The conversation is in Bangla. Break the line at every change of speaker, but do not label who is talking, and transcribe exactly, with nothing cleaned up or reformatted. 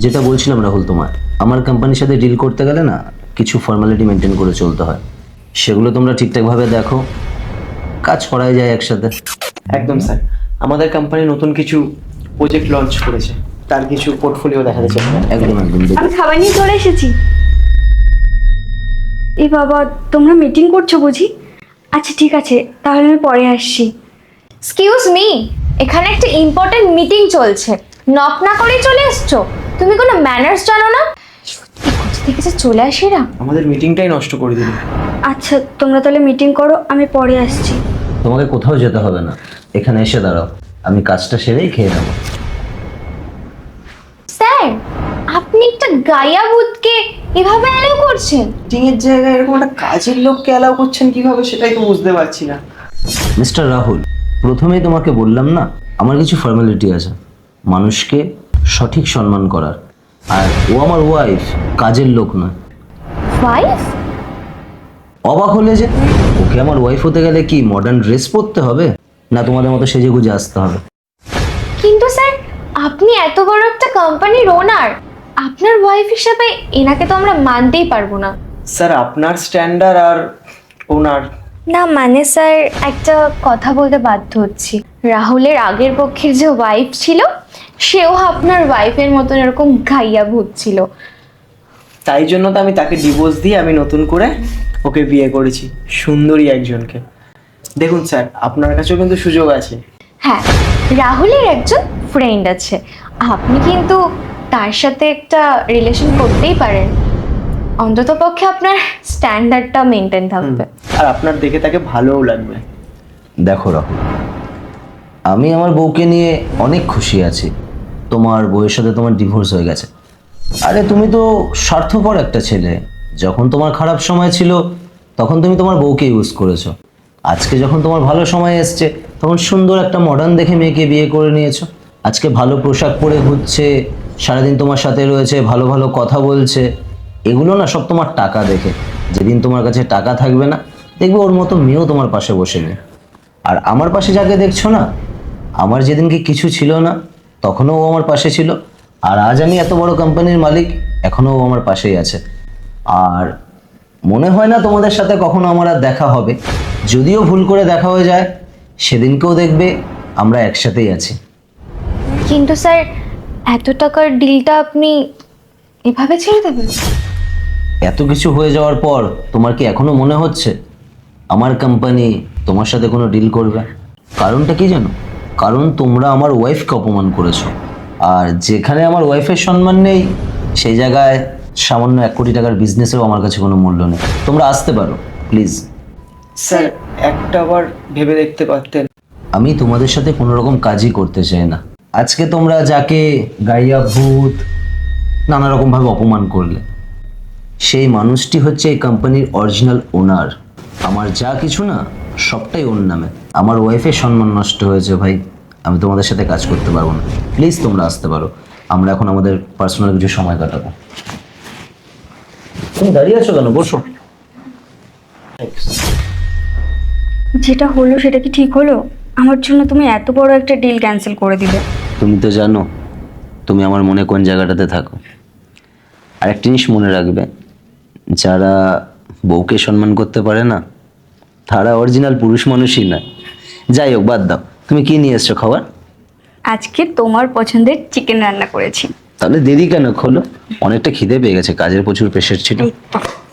যেটা বলছিলাম রাহুল, তোমার আমার কোম্পানির সাথে ডিল করতে গেলে না কিছু ফর্মালিটি মেনটেন করে চলতে হয়, সেগুলো তোমরা ঠিকঠাকভাবে দেখো, কাজ করাই যায় একসাথে।
একদম স্যার, আমাদের কোম্পানি নতুন কিছু প্রজেক্ট লঞ্চ করেছে, তার কিছু পোর্টফোলিও দেখাতে চাই।
একদম একদম দেখো।
আমি খাবার নিয়ে চলে এসেছি। এ বাবা, তোমরা মিটিং করছো বুঝি? আচ্ছা ঠিক আছে, তাহলে আমি পরে আসছি।
এক্সকিউজ মি, এখানে একটা ইম্পর্টেন্ট মিটিং চলছে, নক না করেই চলে এসছো? তুমি কোনো ম্যানার্স জানো না? সত্যি কোথা থেকে যে চলে আসে এরা।
আমাদের মিটিংটাই নষ্ট করে দিল।
আচ্ছা তোমরা তাহলে মিটিং করো, আমি পরে আসছি।
তোমাকে কোথাও যেতে হবে না, এখানে এসে দাঁড়াও, আমি কাজটা সেরেই খেয়ে নেবো।
স্যার, আপনি একটা গায়া ভূতকে এভাবে অ্যালাউ করছেন?
মিটিং এর জায়গায় এরকম একটা কাজের লোককে অ্যালাউ করছেন কিভাবে, সেটাই তো বুঝতে পারছি না।
মিস্টার রাহুল, প্রথমেই তোমাকে বললাম না, আমার কিছু ফর্মালিটি আছে মানুষকে সঠিক সম্মান করার, আর ও আমার ওয়াইফ, কাজের লোক নয়।
ওয়াইফ?
অবাক হলে যে, ওকে আমার ওয়াইফ হতে গেলে কি মডার্ন ড্রেস পরতে হবে, না তোমাদের মতো সেজে গুজে আসতে হবে?
কিন্তু স্যার, আপনি এত বড় একটা কোম্পানির ওনার, আপনার ওয়াইফ হিসেবে এনাকে তো আমরা মানতেই পারবো না।
স্যার আপনার স্ট্যান্ডার্ড আর ওনার।
না মানে স্যার, একটা কথা বলতে বাধ্য হচ্ছি। রাহুলের আগের পক্ষের যে ওয়াইফ ছিল, সেও আপনার ওয়াইফের মতন এরকম গাইয়া ভূত ছিল।
তাই জন্য তো আমি তাকে ডিভোর্স দিয়ে আমি নতুন করে ওকে বিয়ে করেছি, সুন্দরী একজনকে। দেখুন স্যার, আপনার কাছেও কিন্তু সুযোগ আছে।
হ্যাঁ, রাহুলের একজন ফ্রেন্ড আছে, আপনি কিন্তু তার সাথে একটা রিলেশন করতেই পারেন। অন্তত পক্ষে আপনার স্ট্যান্ডার্ডটা মেনটেন থাকবে।
আর আপনার দেখে তাকে ভালোও লাগবে।
দেখো রাহুল, আমি আমার বউকে নিয়ে অনেক খুশি আছি। তোমার বউয়ের সাথে তোমার ডিভোর্স হয়ে গেছে। আরে তুমি তো স্বার্থপর একটা ছেলে, যখন তোমার খারাপ সময় ছিল তখন তুমি তোমার বউকে ইউজ করেছো, আজকে যখন তোমার ভালো সময় এসছে তখন সুন্দর একটা মডার্ন দেখে মেয়েকে বিয়ে করে নিয়েছো। আজকে ভালো পোশাক পরে ঘুরছে, সারাদিন তোমার সাথে রয়েছে, ভালো ভালো কথা বলছে। এগুলো না সব তোমার টাকা দেখে। যেদিন তোমার কাছে টাকা থাকবে না, দেখবে ওর মতো মেয়েও তোমার পাশে বসে নেই। আর আমার পাশে যাকে দেখছো না, আমার যেদিনকে কিছু ছিল না তখনও ও আমার পাশে ছিল, আর আজ আমি এত বড় কোম্পানির মালিক, এখনও ও আমার পাশেই আছে। আর মনে হয় না তোমাদের সাথে কখনো আমার আর দেখা হবে, যদিও ভুল করে দেখা হয়ে যায়, সেদিনকেও দেখবে আমরা একসাথেই আছি।
কিন্তু স্যার, এত টাকার ডিলটা আপনি এভাবে ছেড়ে দেবেন?
এত কিছু হয়ে যাওয়ার পর তোমার কি এখনো মনে হচ্ছে আমার কোম্পানি তোমার সাথে কোনো ডিল করবে? কারণটা কি জানো? কারণ তোমরা আমার ওয়াইফকে অপমান করেছো, আর যেখানে আমার ওয়াইফের সম্মান নেই সেই জায়গায় সামান্য এক কোটি টাকার বিজনেসেও আমার কাছে কোনো মূল্য নেই। তোমরা আসতে পারো প্লিজ।
স্যার একটা বার ভেবে দেখতে পারতেন।
আমি তোমাদের সাথে কোনো রকম কাজই করতে চাই না। আজকে তোমরা যাকে গাইয়া ভূত নানা রকমভাবে অপমান করলে, সেই মানুষটি হচ্ছে এই কোম্পানির অরিজিনাল ওনার। আমার যা কিছু না সবটাই ওর নামে। আমার ওয়াইফের সম্মান নষ্ট হয়েছে ভাই, আমি তোমাদের সাথে কাজ করতে পারবো না। প্লিজ তোমরা আসতে পারো, আমরা এখন আমাদের পার্সোনাল কিছু সময় কাটাবো। তুমি দাঁড়িয়ে আছো কেন? বসো।
যেটা হলো সেটা কি ঠিক হলো? আমার জন্য তুমি এত বড় একটা ডিল ক্যান্সেল করে দিলে।
তুমি তো জানো তুমি আমার মনে কোন জায়গাটাতে থাকো। আর একটা জিনিস মনে রাখবে, যারা বউকে সম্মান করতে পারে না তারা অরিজিনাল পুরুষ মানুষই না। যাই হোক, বাদ দাও। তুমি কি নিয়ে এসছো খাবার?
আজকে তোমার পছন্দের চিকেন রান্না করেছি।
তাহলে দেরি কেন? খোলো, অনেকটা খিদে পেয়ে গেছে, কাজের প্রচুর প্রেশার ছিল।
এই তো।